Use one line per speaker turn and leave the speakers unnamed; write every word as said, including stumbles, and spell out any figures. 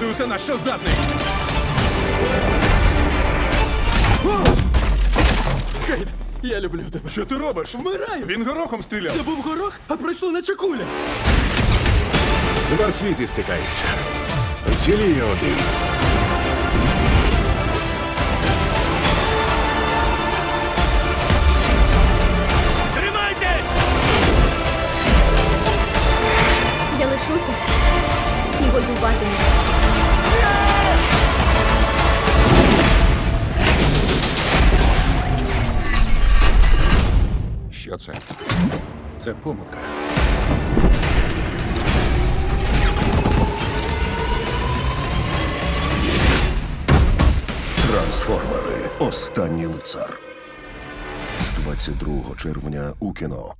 показуй усе, на що здатний.
Кейт, я люблю тебе.
Що ти робиш?
Вмираю!
Він горохом стріляв.
Це був горох, а пройшло наче куля.
Два світи стикаються. Вціліє один.
Я лишуся і воюватиму.
Що це? Це помилка.
Трансформери. Останній лицар. З двадцять другого червня у кіно.